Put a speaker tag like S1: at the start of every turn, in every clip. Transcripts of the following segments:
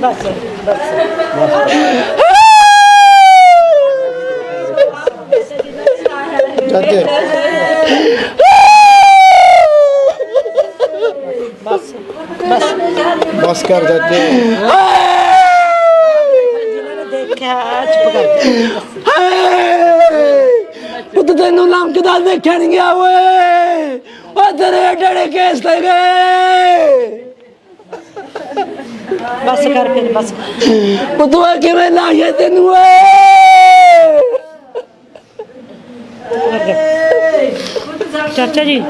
S1: बस कर चाचे
S2: पुत तेनू लमकदा देखिया नहीं गया वे तेरे एडे केस ले गए
S3: बस कर फिर बस
S2: पुत किवें लाइए तेनू
S3: चाचा जी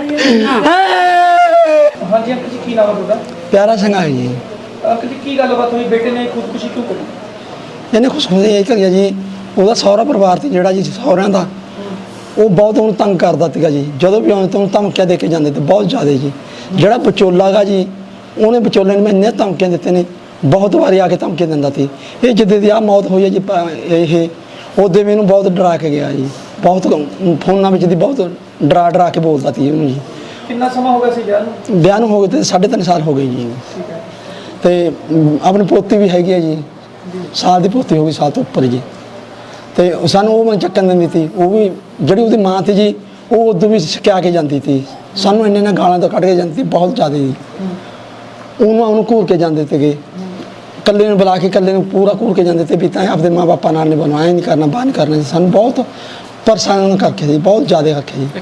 S4: हाँ जी अंकल जी की नाम है ਤੁਹਾਡਾ
S2: प्यारा संगा है जी
S4: अंकल जी की गलबात हुई बेटे ने खुदकुशी क्यों करी
S2: ਇਹਨੇ ਖੁਸ਼ ਹੋਏ ਇਹ ਕਰਿਆ ਜੀ ਉਹਦਾ ਸਹੁਰਾ ਪਰਿਵਾਰ ਤੇ ਜਿਹੜਾ ਜੀ ਸਹੁਰਿਆਂ ਦਾ ਉਹ ਬਹੁਤ ਉਹਨੂੰ ਤੰਗ ਕਰਦਾ ਸੀਗਾ ਜੀ ਜਦੋਂ ਵੀ ਆਉਂਦੇ ਤਾਂ ਉਹਨੂੰ ਧਮਕੀਆਂ ਦੇ ਕੇ ਜਾਂਦੇ ਤੇ ਬਹੁਤ ਜ਼ਿਆਦਾ ਜੀ ਜਿਹੜਾ ਵਿਚੋਲਾ ਗਾ ਜੀ ਉਹਨੇ ਵਿਚੋਲੇ ਨੂੰ ਇੰਨੇ ਧਮਕੀਆਂ ਦਿੱਤੇ ਨੇ ਬਹੁਤ ਵਾਰੀ ਆ ਕੇ ਧਮਕੀਆਂ ਦਿੰਦਾ ਸੀ ਇਹ ਜਿੱਦੇ ਦੀ ਆ ਮੌਤ ਹੋਈ ਹੈ ਜੀ ਇਹ ਉਹਦੇ ਮੈਨੂੰ ਬਹੁਤ ਡਰਾ ਕੇ ਗਿਆ ਜੀ ਬਹੁਤ ਫੋਨਾਂ ਵਿੱਚ ਦੀ ਬਹੁਤ ਡਰਾ ਕੇ ਬੋਲਦਾ ਸੀ ਉਹਨੂੰ ਜੀ
S4: ਕਿੰਨਾ ਸਮਾਂ ਹੋ ਗਿਆ ਸੀ
S2: ਵਿਆਹ ਨੂੰ ਹੋ ਗਏ ਤੇ 3.5 ਸਾਲ ਹੋ ਗਏ ਜੀ
S4: ਠੀਕ ਹੈ
S2: ਤੇ ਆਪਣੀ ਪੋਤੀ ਵੀ ਹੈਗੀ ਹੈ ਜੀ ਸਾਲ ਦੀ ਪੋਤੀ ਹੋ ਗਈ ਸਾਲ ਤੋਂ ਉੱਪਰ ਜੀ ਤੇ ਸਾਨੂੰ ਉਹ ਮੈਂ ਚੱਕਣ ਦਿੰਦੀ ਸੀ ਉਹ ਵੀ ਜਿਹੜੀ ਉਹਦੀ ਮਾਂ ਸੀ ਜੀ ਉਹ ਉਦੋਂ ਵੀ ਸਿਖਾ ਕੇ ਜਾਂਦੀ ਸੀ ਸਾਨੂੰ ਇੰਨੇ ਨਾਲ ਗਾਲਾਂ ਤੋਂ ਕੱਢ ਕੇ ਜਾਂਦੀ ਸੀ ਬਹੁਤ ਜ਼ਿਆਦਾ ਜੀ ਉਹਨੂੰ ਘੂਰ ਕੇ ਜਾਂਦੇ ਸੀਗੇ ਇਕੱਲੇ ਨੂੰ ਬੁਲਾ ਕੇ ਇਕੱਲੇ ਨੂੰ ਪੂਰਾ ਘੂਰ ਕੇ ਜਾਂਦੇ ਤੇ ਵੀ ਤਾਂ ਆਪਦੇ ਮਾਂ ਬਾਪਾਂ ਨਾਲ ਨਹੀਂ ਬਣਵਾਇਆ ਨਹੀਂ ਕਰਨਾ ਬਾਹਰ ਨਹੀਂ ਕਰਨਾ ਜੀ ਸਾਨੂੰ ਬਹੁਤ ਪਰੇਸ਼ਾਨ ਕਰਕੇ ਜੀ ਬਹੁਤ ਜ਼ਿਆਦਾ ਕਰਕੇ ਜੀ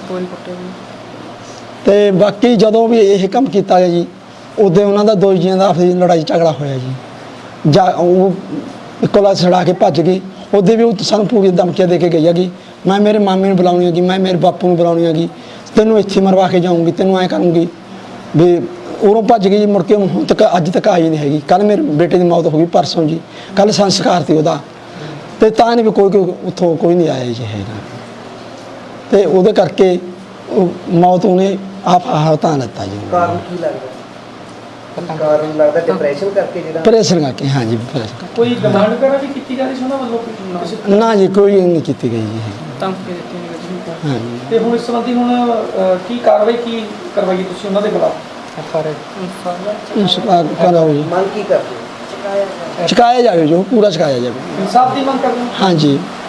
S2: ਤੇ ਬਾਕੀ ਜਦੋਂ ਵੀ ਇਹ ਕੰਮ ਕੀਤਾ ਗਿਆ ਜੀ ਉਦੋਂ ਉਹਨਾਂ ਦਾ ਦੋ ਜੀਆਂ ਦਾ ਆਪਸੀ ਲੜਾਈ ਝਗੜਾ ਹੋਇਆ ਜੀ ਜਾਂ ਉਹ ਕੋਲਾ ਛੜਾ ਕੇ ਭੱਜ ਗਈ ਉਹਦੇ ਵੀ ਉਹ ਸਾਨੂੰ ਪੂਰੀ ਧਮਕੀਆਂ ਦੇ ਕੇ ਗਈ ਹੈਗੀ ਮੈਂ ਮੇਰੇ ਮਾਮੇ ਨੂੰ ਬੁਲਾਉਣੀ ਹੈਗੀ ਮੈਂ ਮੇਰੇ ਬਾਪੂ ਨੂੰ ਬੁਲਾਉਣੀ ਹੈਗੀ ਤੈਨੂੰ ਇੱਥੇ ਮਰਵਾ ਕੇ ਜਾਊਂਗੀ ਤੈਨੂੰ ਐਂ ਕਰੂੰਗੀ ਵੀ ਉਰੋਂ ਭੱਜ ਗਈ ਜੀ ਮੁੜ ਕੇ ਹੁਣ ਤੱਕ ਅੱਜ ਤੱਕ ਆਈ ਨਹੀਂ ਹੈਗੀ ਕੱਲ੍ਹ ਮੇਰੇ ਬੇਟੇ ਦੀ ਮੌਤ ਹੋ ਗਈ ਪਰਸੋਂ ਜੀ ਕੱਲ੍ਹ ਸੰਸਕਾਰ ਸੀ ਉਹਦਾ ਤੇ ਤਾਂ ਨਹੀਂ ਵੀ ਕੋਈ ਉੱਥੋਂ ਕੋਈ ਨਹੀਂ ਆਇਆ ਜੀ ਹੈਗਾ ਤੇ ਉਹਦੇ ਕਰਕੇ ਮੌਤ ਉਹਨੇ ਆਪ ਤਾਂ ਲੱਤਾ ਜੀ
S5: ਕਾਰਨ ਕੀ ਲੱਗਦਾ ਕਾਰਨ ਲੱਗਦਾ ਡਿਪਰੈਸ਼ਨ ਕਰਕੇ ਜਿਹੜਾ
S2: ਪ੍ਰੈਸ਼ਰ ਕਰਕੇ ਹਾਂ ਜੀ ਪ੍ਰੈਸ਼ਰ
S4: ਕੋਈ ਡਿਮਾਂਡ ਕਰਾ ਵੀ ਕੀਤੀ ਜਾ ਰਹੀ ਸੀ ਉਹਨਾਂ ਵੱਲੋਂ
S2: ਨਾ ਜੀ ਕੋਈ ਨਹੀਂ ਕੀਤੀ ਗਈ ਜੀ
S4: ਧਮਕੀ ਦਿੱਤੀ ਨਹੀਂ
S2: ਹਾਂ ਜੀ
S4: ਤੇ ਹੁਣ ਇਸ ਸੰਬੰਧੀ ਹੁਣ ਕੀ ਕਾਰਵਾਈ ਕੀ ਕਰਵਾਈ ਤੁਸੀਂ ਉਹਨਾਂ ਦੇ ਖਿਲਾਫ
S2: ਇੰਸਪਾਇਰ ਕਰੋ ਜੀ
S5: ਮੰਗ ਕੀ ਕਰਦੇ
S2: ਚੁਕਾਇਆ ਜਾਵੇ ਜੋ ਪੂਰਾ ਚੁਕਾਇਆ ਜਾਵੇ
S4: ਇਨਸਾਫ ਦੀ ਮੰਗ ਕਰਦੇ ਹੋ
S2: ਹਾਂ ਜੀ